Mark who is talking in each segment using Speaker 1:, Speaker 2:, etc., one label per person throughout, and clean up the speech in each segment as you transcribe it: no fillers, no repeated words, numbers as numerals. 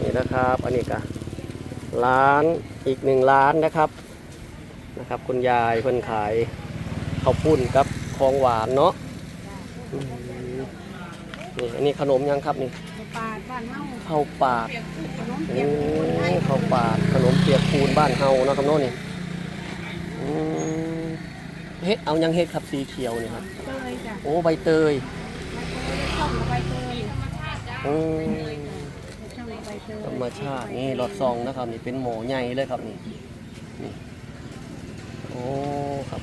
Speaker 1: นี่นะครับอันนี้ก็ร้านอีก1 ร้านนะครับคุณยายเพิ่นขายข้าวปุ้นกับของหวานเนาะนี่อันนี้ขนมยังครับนี่
Speaker 2: ปาดบ้านเฮา
Speaker 1: ข้าวปาด
Speaker 2: ขนมเปียกปูน
Speaker 1: ข้าวปาดขนมเปียกปูนบ้านเฮาเนาะครับเนาะนี่เฮ็ดเอายังเฮ็ดครับสีเขียวนี่ครับ
Speaker 2: เตยจ้ะ
Speaker 1: โอ้ใบเตย
Speaker 2: ช่องใบเตย
Speaker 1: ธรรมชาตินี่หลอดซองนะครับนี่เป็นหมูใหญ่เลยครับนี่โอ้ครับ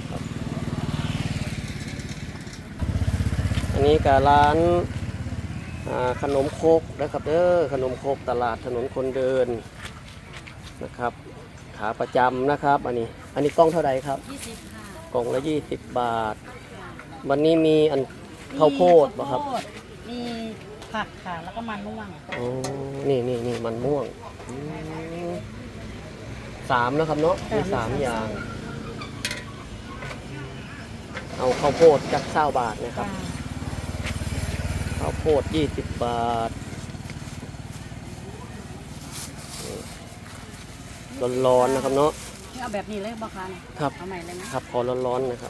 Speaker 1: อันนี้ก็ร้านขนมโคกนะครับขนมโคกตลาดถนนคนเดินนะครับขาประจำนะครับอันนี้กล้องเท่าไหร่ครับ
Speaker 2: 20ค่ะ
Speaker 1: กล่องละ20 บาทวันนี้มีอันข้าวโพดป่ะครับ
Speaker 2: มีผักค่ะแล้วก็มันม่วง
Speaker 1: โอ้นี่มันม่วง3นะครับเนาะมี3อย่างเอาข้าวโพดจัก20 บาทนะครับข้าวโพด20 บาทร้อนๆนะครับเนาะ
Speaker 2: เอาแบบนี้เลยบ่คะ
Speaker 1: ครับ
Speaker 2: เอาใหม่เลยนะครับ
Speaker 1: ขอร้อนๆนะครับ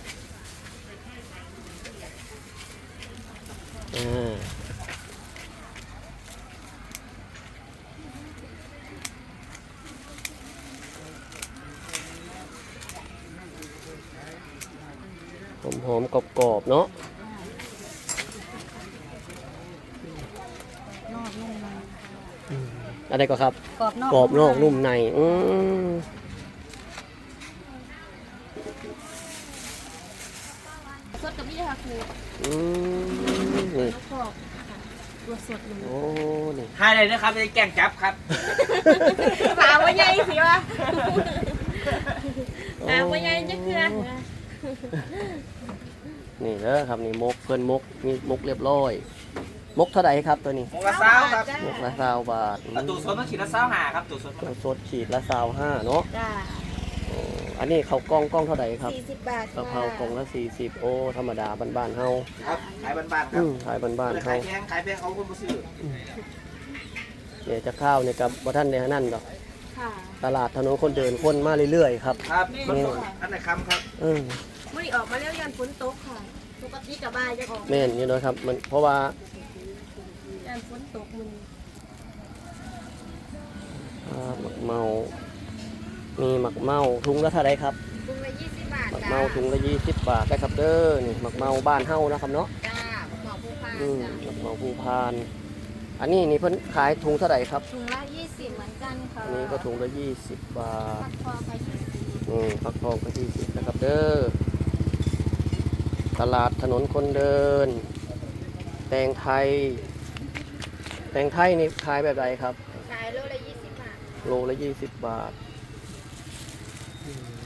Speaker 1: หอมๆกรอบๆเนาะ
Speaker 2: นอกนุ่มใน
Speaker 1: อะไรก็ครับ
Speaker 2: กรอบนอก
Speaker 1: นุ่มใน
Speaker 2: สดกับนี่ค่ะครู
Speaker 1: นี่
Speaker 2: ตัวสดเลย
Speaker 1: โอ้นี่
Speaker 3: ให้เลยนะครับจะแกงจับครับ
Speaker 2: ปลาว่าใหญ่สิวะปลาว่าใหญ่จะเกลือ
Speaker 1: นี่เด้อครับนี่มกเพิ่นมกมีมกเรียบร้อยมกเท่าไหร่ครับตัวนี้
Speaker 3: มกละ20 ครับ
Speaker 1: มกละ20 บาท
Speaker 3: ตู้สดต้องขีดละ25ครับตู้
Speaker 1: สดขีดละ25เนาะ
Speaker 2: จ้า
Speaker 1: อันนี้เขากล้องเท่าไหร่ครับ
Speaker 2: 40 บาท
Speaker 1: กะเพรากล่องละ40โอ้ธรรมดาบ้านๆเฮา
Speaker 3: ครับขายบ้านๆครับ
Speaker 1: ขายบ้านๆเฮา
Speaker 3: ขายแพงเขาคนบ่ซื้อ
Speaker 1: เนี่ยจะข้าวเนี่ยกับบ่ทันได้นั่นดอกตลาดถนนคนเดินคนมาเรื่อยๆครับ
Speaker 3: ครับอันไหนคำครับ
Speaker 2: มื่อนี้ออกมาแล้วยันฝนตกค่ะปกติกับบ่ายจะออก
Speaker 1: แม่นอยู่ด้วยครับมันเพราะว่า
Speaker 2: ยันฝนตกมัน
Speaker 1: หมักเมามีหมักเมาถุงละเท่าไรครับ
Speaker 2: ถุงละ20 บาท
Speaker 1: หมักเมาถุงละ20 บาทได้ครับเด้อนี่หมักเมาบ้านเฮานะครับเนาะ
Speaker 2: จ้าหมักเมาผู้พาน
Speaker 1: หมักเมาผู้พานอันนี้นี่เพิ่นขายถุงเท่าไหร่ครับ
Speaker 2: ถุงละ20เหมือนกันค่ะ
Speaker 1: อันนี้ก็ถุงละ20 บาท
Speaker 2: ฟักทองก็
Speaker 1: 20นะครับเด้อตลาดถนนคนเดินแตงไทยนี่ขายแบบไหนครับ
Speaker 2: ขายโลละ20 บาท
Speaker 1: โลละ20 บาท